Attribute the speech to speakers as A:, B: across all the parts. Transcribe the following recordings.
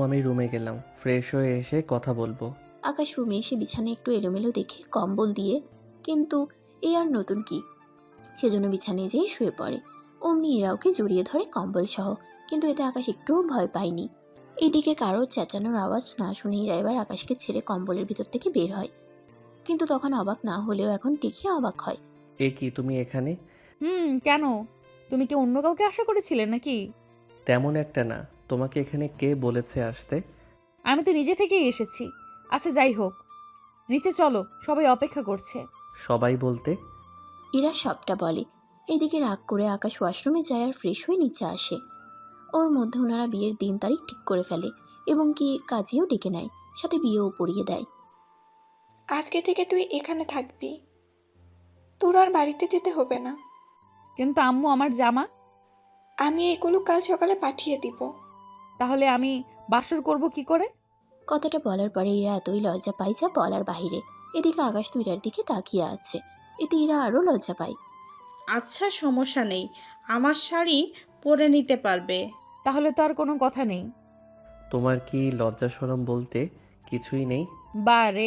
A: আমি রুমে গেলাম, ফ্রেশ হয়ে এসে কথা বলবো।
B: আকাশ রুমে এসে বিছানায় একটু এলোমেলো দেখে কম্বল দিয়ে, কিন্তু এই আর নতুন কি, সেজন্য বিছানায় যেয়ে শুয়ে পড়ে। অমনি ইরা ওকে জড়িয়ে ধরে কম্বল সহ, কিন্তু এতে আকাশ একটুও ভয় পায়নি। এদিকে কারোর চেঁচানোর আওয়াজ না শুনে ইরা এবার আকাশকে ছেড়ে কম্বলের ভিতর থেকে বের হয়, কিন্তু তখন অবাক না হলেও এখন টিকিয়ে অবাক হয়।
A: এ কি, তুমি এখানে?
C: কেন? তুমি কি অন্য কাউকে আশা করেছিলে নাকি?
A: তেমন একটা না। তোমাকে এখানে কে বলেছে আসতে?
C: আমি তো নিজে থেকেই এসেছি। আচ্ছা যাই হোক, নিচে চলো, সবাই অপেক্ষা করছে।
A: সবাই বলতে?
B: ইরা সবটা বলে। এদিকে রাগ করে আকাশ ওয়াশরুমে যায় আর ফ্রেশ হয়ে নিচে আসে। ওর মধ্যে ওনারা বিয়ের দিন তারিখ ঠিক করে ফেলে এবং কি কাজেও ডেকে নেয়, সাথে বিয়েও পড়িয়ে দেয়।
D: আজকে থেকে তুই এখানে থাকবি, তোর আর বাড়িতে যেতে হবে না।
C: কিন্তু আম্মু, আমার জামা?
D: আমি এগুলো কাল সকালে পাঠিয়ে দিব।
C: তাহলে আমি বাসর করব কি করে?
B: কথাটা বলার পরে ইরা এতই লজ্জা পায় যা বলার বাহিরে। এদিকে আকাশ তো ইরার দিকে তাকিয়ে আছে, এতে ইরা আরও লজ্জা পায়।
E: আচ্ছা সমস্যা নেই, আমার শাড়ি পরে নিতে পারবে।
C: তাহলে তো আর কোনো কথা নেই।
A: তোমার কি লজ্জা শরম বলতে কিছুই নেই?
C: বারে,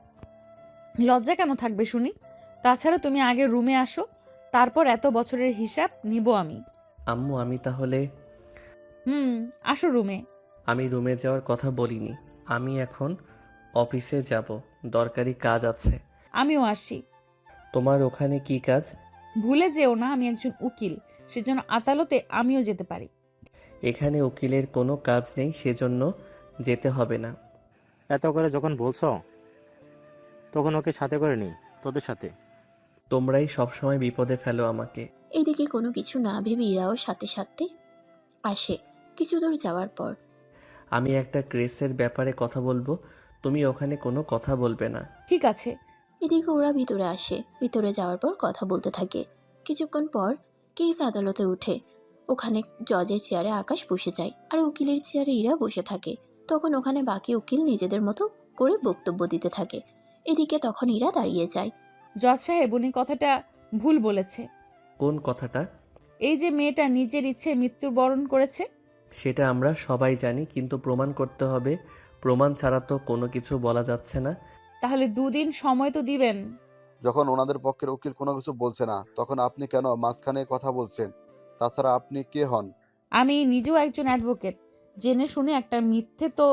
C: লজ্জা কেন থাকবে শুনি? তাছাড়া তুমি আগে রুমে আসো, তারপর এত বছরের হিসাব নিব আমি।
A: আম্মু, আমি তাহলে?
C: আসো রুমে।
A: আমি রুমে যাওয়ার কথা বলিনি। আমি এখন অফিসে যাব, দরকারি কাজ আছে।
C: আমিও আসি।
A: তোমার ওখানে কি কাজ?
C: ভুলে যেও না আমি একজন উকিল, সেজন্য আদালতে আমিও যেতে পারি।
A: এখানে উকিলের কোনো কাজ নেই, সেজন্য যেতে হবে না।
F: এত করে যখন বলছো তখন ওকে সাথে করে নি তোদের সাথে।
A: তোমরাই সবসময় বিপদে ফেলো আমাকে।
B: এদিকে কোনো কিছু না ভেবে ইরাও সাথে সাথে আসে। কিছু দূর যাওয়ার পর
A: আমি একটা কেসের ব্যাপারে কথা বলবো, তুমি ওখানে কোনো কথা বলবে না।
C: ঠিক আছে।
B: এদিকে ওরা ভিতরে আসে। ভিতরে যাওয়ার পর কথা বলতে থাকে। কিছুক্ষণ পর কেস আদালতে উঠে। ওখানে জজের চেয়ারে আকাশ বসে যায় আর উকিলের চেয়ারে ইরা বসে থাকে। তখন ওখানে বাকি উকিল নিজেদের মতো করে বক্তব্য দিতে থাকে। এদিকে তখন ইরা দাঁড়িয়ে যায়।
C: জজ সাহেব, উনি কথাটা ভুল বলেছে।
A: কোন কথাটা?
C: এই যে মেয়েটা নিজের ইচ্ছে মৃত্যুবরণ করেছে।
A: সেটা আমরা সবাই জানি, কিন্তু প্রমাণ করতে হবে। প্রমাণ ছাড়া তো কোনো কিছু বলা যাচ্ছে না।
C: তাহলে 2 দিন সময় তো দিবেন।
G: যখন ওনাদের পক্ষের উকিল কোনো কিছু বলছে না, তখন আপনি কেন মাঝখানে কথা বলছেন? তাছাড়া আপনি কে হন?
C: আমি নিজেও একজন অ্যাডভোকেট, জেনে শুনে একটা মিথ্যে তো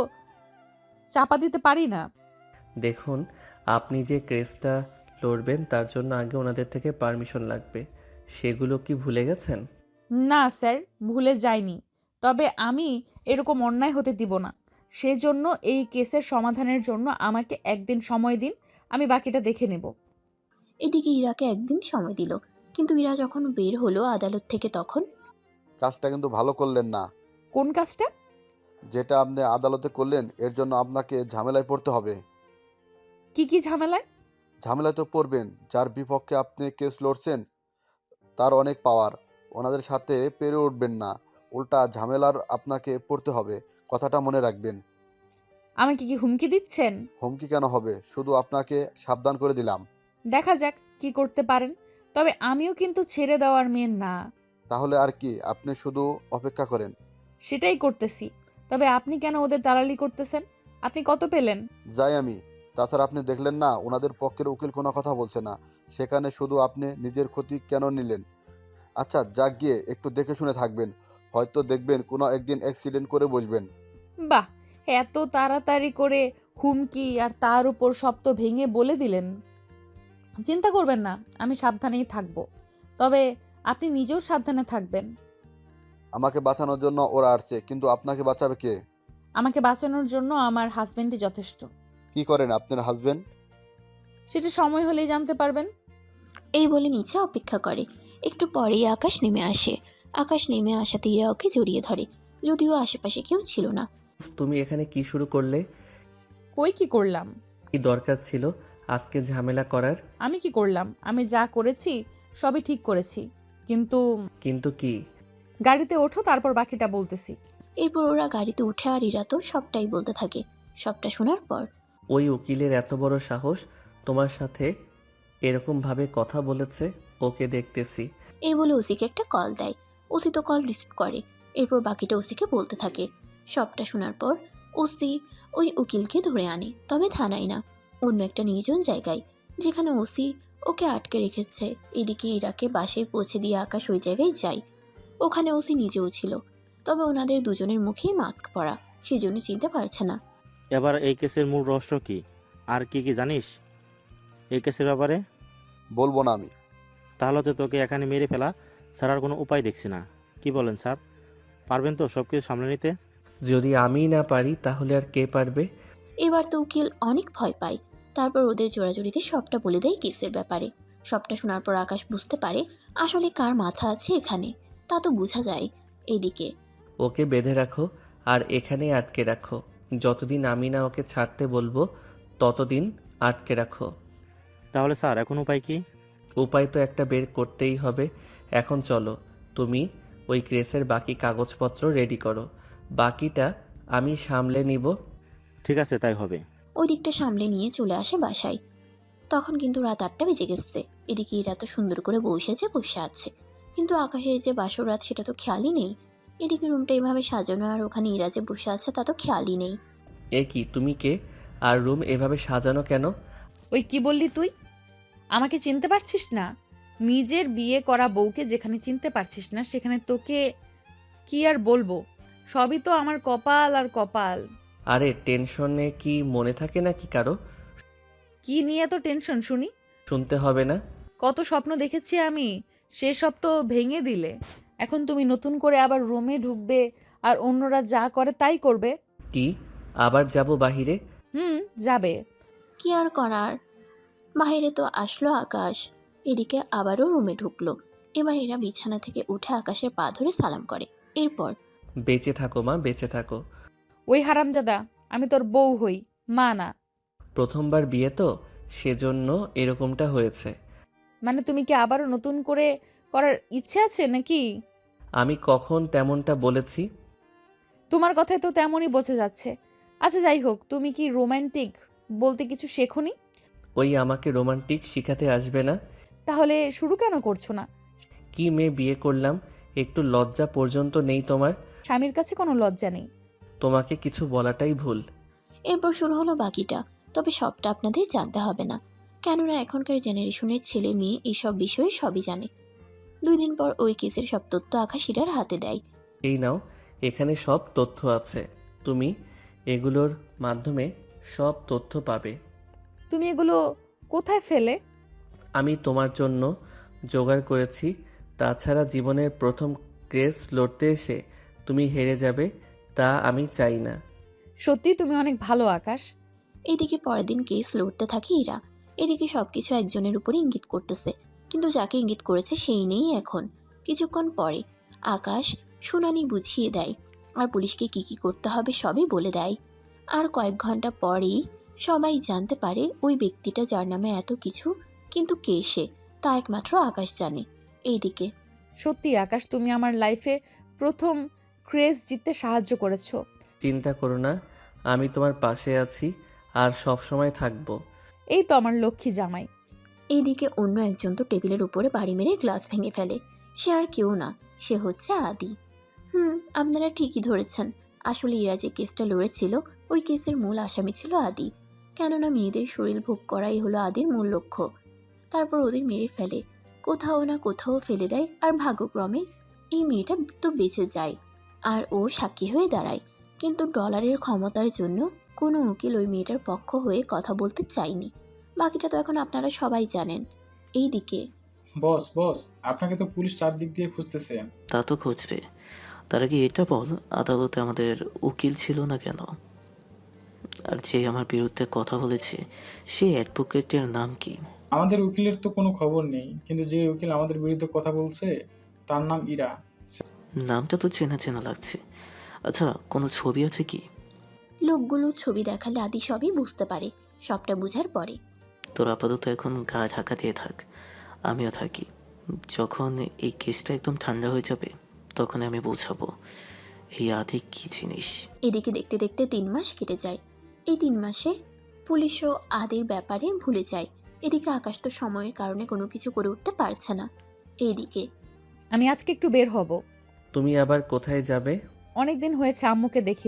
C: চাপা দিতে পারি না।
A: দেখুন, আপনি যে কেসটা লড়বেন তার জন্য আগে ওনাদের থেকে পারমিশন লাগবে। সেগুলো কি ভুলে গেছেন?
C: না স্যার, ভুলে যাইনি। তবে আমি এরকম অন্যায় হতে দিব না। সেজন্য এই কেসের সমাধানের জন্য আমাকে 1 দিন সময় দিন, আমি বাকিটা দেখে নেব।
B: এদিকে ইরাকে একদিন সময় দিল, কিন্তু ইরা যখন বের হলো আদালত থেকে তখন
G: কাজটা কিন্তু ভালো করলেন না।
C: কোন কাজটা?
G: যেটা আপনি আদালতে করলেন, এর জন্য আপনাকে ঝামেলায় পড়তে হবে।
C: কি কি ঝামেলায়?
G: ঝামেলায় তো পড়বেন, যার বিপক্ষে আপনি কেস লড়ছেন তার অনেক পাওয়ার। ওনাদের সাথে পেরে উঠবেন না, উল্টা ঝামেলার আপনাকে পড়তে হবে। কথাটা মনে রাখবেন।
C: আমাকে কি হুমকি দিচ্ছেন?
G: হুমকি কেন হবে, শুধু আপনাকে সাবধান করে দিলাম।
C: দেখা যাক কি করতে পারেন। তবে আমিও কিন্তু ছেড়ে দেওয়ার মেয়ে না।
G: তাহলে আর কি, আপনি শুধু অপেক্ষা করেন।
C: সেটাই করতেছি। তবে আপনি কেন ওদের দালালি করতেছেন? আপনি কত পেলেন?
G: যাই আমি। তাছাড়া আপনি দেখলেন না ওনাদের পক্ষের উকিল কোনো কথা বলছে না, সেখানে শুধু আপনি নিজের ক্ষতি কেন নিলেন? আচ্ছা যাক, গিয়ে একটু দেখে শুনে থাকবেন, হয়তো দেখবেন কোনো একদিন অ্যাক্সিডেন্ট করে বসবেন।
C: বাহ, এত তাড়াতাড়ি করে হুমকি, আর তার উপর শব্দ ভেঙে বলে দিলেন। চিন্তা করবেন না, আমি সাবধানেই থাকব। তবে আপনি নিজেও সাবধানে থাকবেন।
G: আমাকে বাঁচানোর জন্য ওরা আসছে, কিন্তু আপনাকে বাঁচাবে কে?
C: আমাকে বাঁচানোর জন্য আমার হাজবেন্ডই যথেষ্ট।
G: কি করেন আপনার হাজবেন্ড?
C: সেটা সময় হলেই জানতে পারবেন।
B: এই বলে নিচে অপেক্ষা করে। একটু পরেই আকাশ নেমে আসে। আকাশ নেমে আসাতে ইরা ওকে জড়িয়ে ধরে, যদিও আশেপাশে কেউ ছিল না।
A: তুমি এখানে কি শুরু করলে?
C: কই কি করলাম?
A: কি দরকার ছিল আজকে ঝামেলা করার?
C: আমি কি করলাম? আমি যা করেছি সবই ঠিক করেছি। কিন্তু
A: কিন্তু কি?
C: গাড়িতে ওঠো, তারপর বাকিটা বলতেছি।
B: এরপর ওরা গাড়িতে উঠে আর ইরা তো সবটাই বলতে থাকে। সবটা শোনার পর
A: ওই উকিলের এত বড় সাহস তোমার সাথে এরকম ভাবে কথা বলেছে? ওকে দেখতেছি।
B: এই বলে ওসিকে একটা কল দেয়। ওসি তো কল রিসিভ করে। এরপর বাকিটা ওসিকে বলতে থাকে। সবটা শোনার পর ওসি ওই উকিলকে ধরে আনে, তবে থানায় না, অন্য একটা নির্জন জায়গায়, যেখানে ওসি ওকে আটকে রেখেছে। এদিকে ইরাকে বাসায় পৌঁছে দিয়ে আকাশ ওই জায়গায় যায়। ওখানে ওসি নিজেও ছিল, তবে ওনাদের দুজনের মুখেই মাস্ক পরা, সেজন্য চিনতে পারছে না।
F: এবার এই কেসের মূল রহস্য কি, আর কি কি জানিস এই কেসের ব্যাপারে?
G: বলবো না আমি।
F: তাহলে তো তোকে এখানে মেরে ফেলা ছাড়ার কোনো উপায় দেখছি না। কি বলেন স্যার, পারবেন তো সব কিছু সামলে নিতে?
A: যদি আমি না পারি তাহলে আর কে পারবে?
B: এবার তো উকিল অনেক ভয় পায়। তারপর ওদের জোড়াজুড়িতে সবটা বলে দেয় কেসের ব্যাপারে। সবটা শোনার পর আকাশ বুঝতে পারে আসলে কার মাথা আছে এখানে, তা তো বোঝা যায়। এদিকে
A: ওকে বেঁধে রাখো আর এখানেই আটকে রাখো। যতদিন আমি না ওকে ছাড়তে বলবো ততদিন আটকে রাখো।
F: তাহলে স্যার এখন উপায় কি?
A: উপায় তো একটা বের করতেই হবে। এখন চলো, তুমি ওই কেসের বাকি কাগজপত্র রেডি করো, বাকিটা আমি সামলে নিব।
F: ঠিক আছে, তাই হবে।
B: ওই দিকটা সামলে নিয়ে চলে আসে বাসায়। তখন কিন্তু রাত 8টা বেজে গেছে। এদিকে ইরা তো সুন্দর করে বসে আছে, কিন্তু আকাশের যে বাসর রাত সেটা তো খেয়ালই নেই। এদিকে রুমটা এভাবে সাজানো আর ওখানে ইরা যে বসে আছে তা তো খেয়ালই নেই।
A: এ কি, তুমি কে? আর রুম এভাবে সাজানো কেন?
C: ওই কি বললি তুই? আমাকে চিনতে পারছিস না? নিজের বিয়ে করা বউকে যেখানে চিনতে পারছিস না সেখানে তোকে কি আর বলবো? সবই তো আমার কপাল আর কপাল।
A: আরে টেনশনে কি মনে থাকে নাকি কারো?
C: কি নিয়ে তো টেনশন শুনি?
A: শুনতে হবে না।
C: কত স্বপ্ন দেখেছি আমি, সেসব তো ভেঙে দিলে। এখন তুমি নতুন করে আবার রুমে ঢুকবে আর অন্যরা যা করে তাই করবে।
A: কি, আবার যাব বাহিরে?
C: যাবে।
B: কি আর করার, বাইরে তো আসলো আকাশ। এদিকে আবারও রুমে ঢুকলো। এবার এরা বিছানা থেকে উঠে আকাশের পা ধরে সালাম করে। এরপর
A: বেঁচে থাকো মা, বেঁচে থাকো।
C: ওই হারামজাদা, আমি তোর বউ হই, মা না।
A: প্রথমবার বিয়ে তো, সেজন্য এরকমটা হয়েছে।
C: মানে তুমি কি আবারও নতুন করে করার ইচ্ছে আছে নাকি?
A: আমি কখন তেমনটা বলেছি?
C: তোমার কথায় তো তেমনই বোঝা যাচ্ছে। আচ্ছা যাই হোক, তুমি কি রোমান্টিক বলতে কিছু শেখোনি?
A: ওই আমাকে রোমান্টিক শিখাতে আসবে না।
C: তাহলে শুরু কেন করছো না?
A: কি মেয়ে বিয়ে করলাম, একটু লজ্জা পর্যন্ত নেই তোমার?
C: স্বামীর কাছে কোনো লজ্জা নেই।
A: তোমাকে কিছু বলাটাই ভুল।
B: এরপর শুরু হলো বাকিটা, তবে সবটা আপনাদের জানতে হবে না, কেননা এখনকার জেনারেশনের ছেলে মেয়ে এইসব বিষয়ে সবই জানে। 2 দিন পর ওই কেসের সব তথ্য আকাশ ইরার হাতে দেয়।
A: এই নাও, এখানে সব তথ্য আছে, তুমি এগুলোর মাধ্যমে সব তথ্য পাবে।
C: তুমি এগুলো কোথায় ফেলে?
A: আমি তোমার জন্য জোগাড় করেছি। তাছাড়া জীবনের প্রথম কেস লড়তে এসে তুমি হেরে যাবে, তা আমি চাই না।
C: সত্যি তুমি অনেক ভালো আকাশ।
B: এইদিকে পরের দিন কেস লড়তে থাকে ইরা। এদিকে সবকিছু একজনের উপরে ইঙ্গিত করতেছে, কিন্তু যাকে ইঙ্গিত করেছে সেই নেই এখন। কিছুক্ষণ পরে আকাশ শুনানি বুঝিয়ে দেয় আর পুলিশকে কি কি করতে হবে সবই বলে দেয়। আর কয়েক ঘন্টা পরেই সবাই জানতে পারে ওই ব্যক্তিটা যার নামে এত কিছু, কিন্তু কে সে তা একমাত্র আকাশ জানে। এইদিকে
C: সত্যি আকাশ, তুমি আমার লাইফে প্রথম ক্রেজ জিততে সাহায্য করেছো।
A: চিন্তা করো না, আমি তোমার পাশে আছি আর সব সময় থাকবো।
C: এই তো আমার লক্ষ্মী জামাই।
B: এইদিকে অন্য একজন তো টেবিলের উপরে বাড়ি মেরে গ্লাস ভেঙে ফেলে। সে আর কেউ না, সে হচ্ছে আদি। আপনারা ঠিকই ধরেছেন, আসলে ইরা যে কেসটা লড়েছিল ওই কেসের মূল আসামি ছিল আদি। কেননা মেয়েদের শরীর ভোগ করাই হলো আদির মূল লক্ষ্য। তারপর ওদের মেরে ফেলে, কোথাও না কোথাও ফেলে দেয়, আর ভাগ্যক্রমে এই মেয়েটা তো বেঁচে যায় আর ও সাক্ষী হয়ে দাঁড়ায়। কিন্তু ডলারের ক্ষমতার জন্য কোনো উকিল ওই মেয়েটার পক্ষ হয়ে কথা বলতে চায়নি। বাকিটা তো এখন আপনারা সবাই জানেন। এইদিকে
H: বস বস, আপনাকে তো পুলিশ চারদিক দিয়ে খুঁজতেছে।
I: তা তো খুঁজবে, তার আগে এটা বল, আদালতে আমাদের উকিল ছিল না কেন? আর যে আমার বিরুদ্ধে কথা বলেছে সেই অ্যাডভোকেটের নাম কি?
H: আমাদের উকিলের তো কোনো খবর নেই, কিন্তু যে উকিল আমাদের বিরুদ্ধে কথা বলছে তার নাম ইরা।
I: নামটা তো চেনা চেনা লাগছে। আচ্ছা, কোনো ছবি আছে কি?
B: লোকগুলো ছবি দেখালে আদি সবই বুঝতে পারে। সবটা বুঝার পরে
I: তোর আপাতত এখন গা ঢাকা দিয়ে থাক, আমিও থাকি। যখন এই কেসটা একদম ঠান্ডা হয়ে যাবে তখন আমি বোঝাবো এই আদি কি জিনিস।
B: এদিকে দেখতে দেখতে 3 মাস কেটে যায়। এই 3 মাসে পুলিশও আদির ব্যাপারে ভুলে যায়। এদিকে আকাশ তো সময়ের কারণে কোনো কিছু করে উঠতে পারছে না। এইদিকে
C: আমি আজকে একটু বের হব।
A: তুমি আবার কোথায় যাবে?
C: অনেক দিন হয়েছে আম্মুকে দেখি না,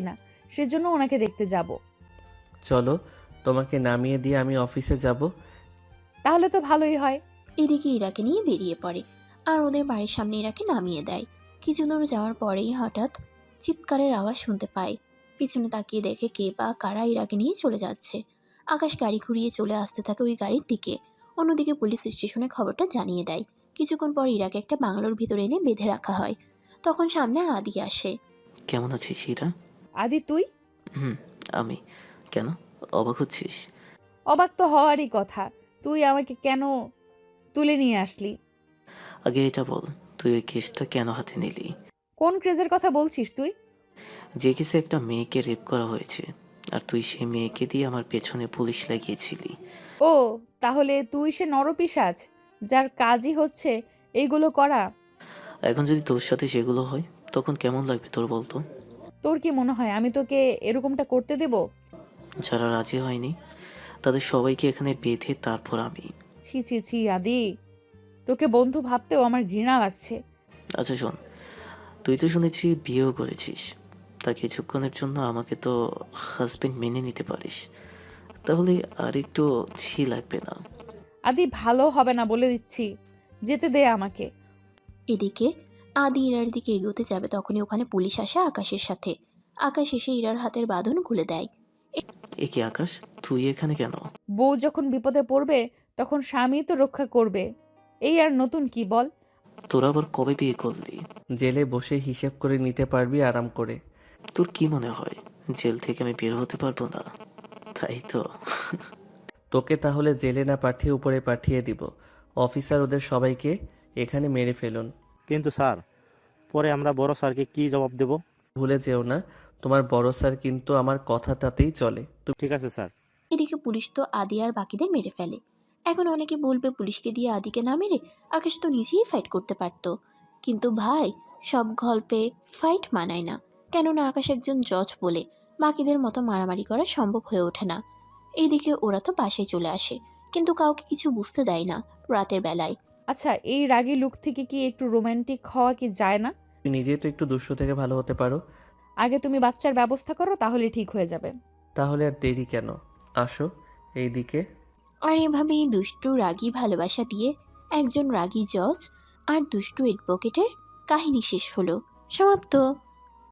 C: সেজন্য ওনাকে দেখতে যাব।
A: চলো, তোমাকে নামিয়ে দিয়ে আমি অফিসে যাব।
C: তাহলে তো ভালোই হয়।
B: এদিকে ইরাকে নিয়ে বেরিয়ে পড়ে আর ওদের বাড়ির সামনে ইরাকে নামিয়ে দেয়। কিছু দূর যাওয়ার পরেই হঠাৎ চিৎকারের আওয়াজ শুনতে পায়। পিছনে তাকিয়ে দেখে কে বা কারা ইরাকে নিয়ে চলে যাচ্ছে। আকাশ গাড়ি ঘুরিয়ে চলে আসতে থাকে ওই গাড়ির দিকে। অন্যদিকে পুলিশ স্টেশনে খবরটা জানিয়ে দেয়। কিছুক্ষণ পর ইরাকে একটা বাংলোর ভিতরে এনে বেঁধে রাখা হয়। তখন সামনে আদি আসে।
I: কেমন আছিস ইরা?
C: আদি তুই?
I: হুম, আমি। কেন, অবাক হচ্ছিস?
C: অবাক তো হওয়ারই কথা। তুই আমাকে কেন তুলে নিয়ে আসলি?
I: আগে এটা বল, তুই ওই কেসটা কেন হাতে নিলি?
C: কোন ক্রেজের কথা বলছিস তুই?
I: যে কেসে একটা মেয়েকে রেপ করা হয়েছে, আর তুই সেই মেয়েকে দিয়ে আমার পেছনে পুলিশ লাগিয়েছিলি।
C: ও, তাহলে তুই সে নরপিশাচ যার কাজই হচ্ছে এইগুলো করা।
I: এখন যদি তোর সাথে সেগুলো হয় তখন কেমন লাগবে তোর বলতো?
C: তোর কি মনে হয় আমি তোকে এরকমটা করতে দেব?
I: যারা রাজি হয়নি তাদের সবাইকে এখানে বেঁধে তারপর আমি।
C: ছি ছি ছি আদি, তোকে বন্ধু ভাবতেও আমার ঘৃণা লাগছে।
I: আচ্ছা শোন, তুই তো শুনেছি বিয়েও করেছিস, তা কিছুক্ষণের জন্য আমাকে তো হাজবেন্ড মেনে নিতে পারিস, তাহলে আর একটু ছি লাগবে না?
C: আদি ভালো হবে না বলে দিচ্ছি, যেতে দে আমাকে।
B: এদিকে আদি ইরার দিকে এগোতে যাবে তখনই ওখানে পুলিশ আসে আকাশের সাথে। আকাশ এসে ইরার হাতের বাঁধন খুলে দেয়।
I: এ কি আকাশ, তুই এখানে কেন?
C: বউ যখন বিপদে পড়বে তখন স্বামী তো রক্ষা করবে, এই আর নতুন কি বল?
I: তোরা আবার কবে বিয়ে করলি?
A: জেলে বসে হিসেব করে নিতে পারবি আরাম করে।
I: তোর কি মনে হয় জেল থেকে আমি বের হতে পারবো না, তাই তো?
A: তোকে তাহলে জেলে না পাঠিয়ে উপরে পাঠিয়ে দিব। অফিসার ওদের সবাইকে এখানে মেরে ফেলুন।
F: কিন্তু স্যার, পরে আমরা বড় স্যারকে কি জবাব দেব?
A: ভুলে যেও না, তোমার বড় স্যার কিন্তু আমার কথাটাতেই চলে।
F: ঠিক আছে স্যার।
B: এদিকে পুলিশ তো আদি আর বাকিদের মেরে ফেলে। এখন অনেকে বলবে পুলিশকে দিয়ে আদিকে না মেরে আকাশ তো নিজেই ফাইট করতে পারতো। কিন্তু ভাই, সব গল্পে ফাইট মানায় না। কেননা আকাশ একজন জজ বলে বাকিদের মতো মারামারি করা সম্ভব হয়ে ওঠে না। এইদিকে ওরা তো বাসায় চলে আসে, কিন্তু কাউকে কিছু বুঝতে দেয় না রাতের বেলায়।
C: আচ্ছা, এই রাগী লুক থেকে কি একটু রোমান্টিক হওয়া কি যায় না?
A: তুমি নিজেই তো একটু দুষ্ট থেকে ভালো হতে পারো।
C: আগে তুমি বাচ্চার ব্যবস্থা করো, তাহলে ঠিক হয়ে যাবে।
A: তাহলে আর দেরি কেন, আসো এইদিকে।
B: আর এভাবেই দুষ্টু রাগী ভালোবাসা দিয়ে একজন রাগী জজ আর দুষ্টু অ্যাডভোকেটের কাহিনী শেষ হলো। সমাপ্ত।